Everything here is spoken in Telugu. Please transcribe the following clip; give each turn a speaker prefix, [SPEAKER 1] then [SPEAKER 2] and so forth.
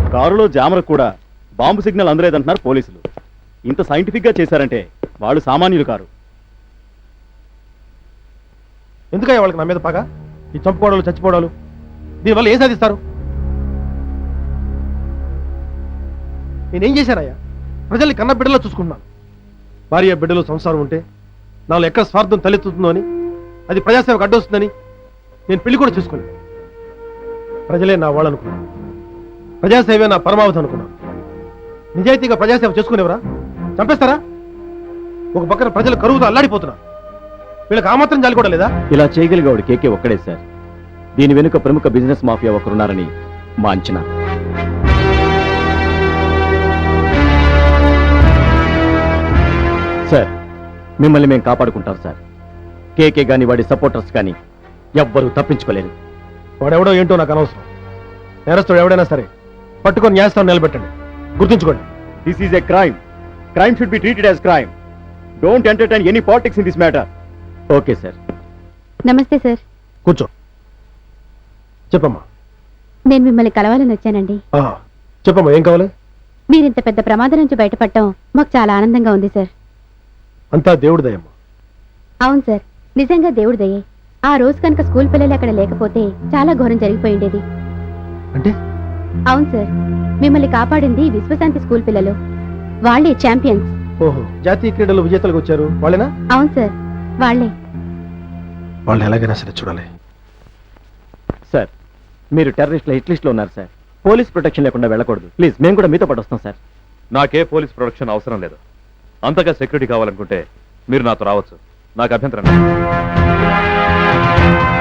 [SPEAKER 1] కారులో జామర్ కూడా బాంబు సిగ్నల్ అందలేదంటున్నారు పోలీసులు. ఇంత సైంటిఫిక్ గా చేశారంటే వాళ్ళు సామాన్యులు కారు.
[SPEAKER 2] ఎందుకయ్యా వాళ్ళకి నా మీద పగ? ఈ చంపుకోవడాలు చచ్చిపోవడాలు దీనివల్ల ఏం సాధిస్తారు? నేనేం చేశానయ్యా? ప్రజల్ని కన్న బిడ్డలో చూసుకుంటున్నాను. భార్య బిడ్డలు సంసారం ఉంటే నాలో ఎక్కడ స్వార్థం తలెత్తుతుందో అని, అది ప్రజాసేవకు అడ్డొస్తుందని నేను పెళ్లి కూడా చేసుకోలేదు. ప్రజలే నా వాళ్ళు అనుకున్నాను. ప్రజాసేవే నా పరమావధి అనుకున్నాను. నిజాయితీగా ప్రజాసేవ చేసుకునేవరా? చంపేస్తారా? ఒక పక్కన ప్రజలు కరువుతో అల్లాడిపోతున్నారు. వీళ్ళకి ఆ మాత్రం జాలి కూడా లేదా?
[SPEAKER 1] ఇలా చేయగలిగేవాడు కేకే ఒక్కడే సార్. దీని వెనుక ప్రముఖ బిజినెస్ మాఫియా ఒకరున్నారని మా అంచనా. సార్, మిమ్మల్ని మేము కాపాడుకుంటాం సార్. కేకే గాని వాడి సపోర్టర్స్ కానీ ఎవ్వరూ తప్పించుకోలేరు.
[SPEAKER 2] వాడెవడో ఏంటో నాకు అనవసరం. నేరస్తుడు ఎవడైనా సరే పట్టుకొని న్యాయస్థానం నిలబెట్టండి. గుర్తుంచుకోండి,
[SPEAKER 1] this is a crime. Crime should be treated as crime. Don't entertain any politics in this matter. Okay sir.
[SPEAKER 3] నమస్తే సార్.
[SPEAKER 2] కూర్చో. చెప్పమ్మా.
[SPEAKER 3] నేను మిమ్మల్ని కలవాలని వచ్చానండి.
[SPEAKER 2] చెప్పమ్మా, ఏం కావాలి?
[SPEAKER 3] మీరింత పెద్ద ప్రమాదం నుంచి బయటపడటం మాకు చాలా ఆనందంగా ఉంది సార్.
[SPEAKER 2] అంతా దేవుడి దయమ్మా.
[SPEAKER 3] అవును సార్, నిజంగా దేవుడి దయే. ఆ రోజు కనుక స్కూల్ పిల్లలు అక్కడ లేకపోతే చాలా ఘోరం జరిగిపోయిండేది.
[SPEAKER 2] అంటే?
[SPEAKER 3] అవును సార్, మిమ్మల్ని కాపాడింది విశ్వశాంతి స్కూల్ పిల్లలు. వాళ్ళే ఛాంపియన్స్.
[SPEAKER 2] ఓహో, జాతీయ క్రీడలు విజేతలకు వచ్చారు వాళ్ళేనా?
[SPEAKER 3] అవును సార్, వాళ్ళే.
[SPEAKER 2] వాళ్ళు ఎలాగైనా సరే చూడాలి.
[SPEAKER 1] సార్, మీరు టెర్రరిస్ట్ల హిట్ లిస్ట్ లో ఉన్నారు సార్. పోలీస్ ప్రొటెక్షన్ లేకుండా వెళ్ళకూడదు. ప్లీజ్, మేము కూడా మీతో పాటు వస్తాం సార్.
[SPEAKER 4] నాకే పోలీస్ ప్రొటెక్షన్ అవసరం లేదు. అంతగా సెక్యూరిటీ కావాలనుకుంటే మీరు నాతో రావచ్చు. నాకు అభ్యంతరం లేదు.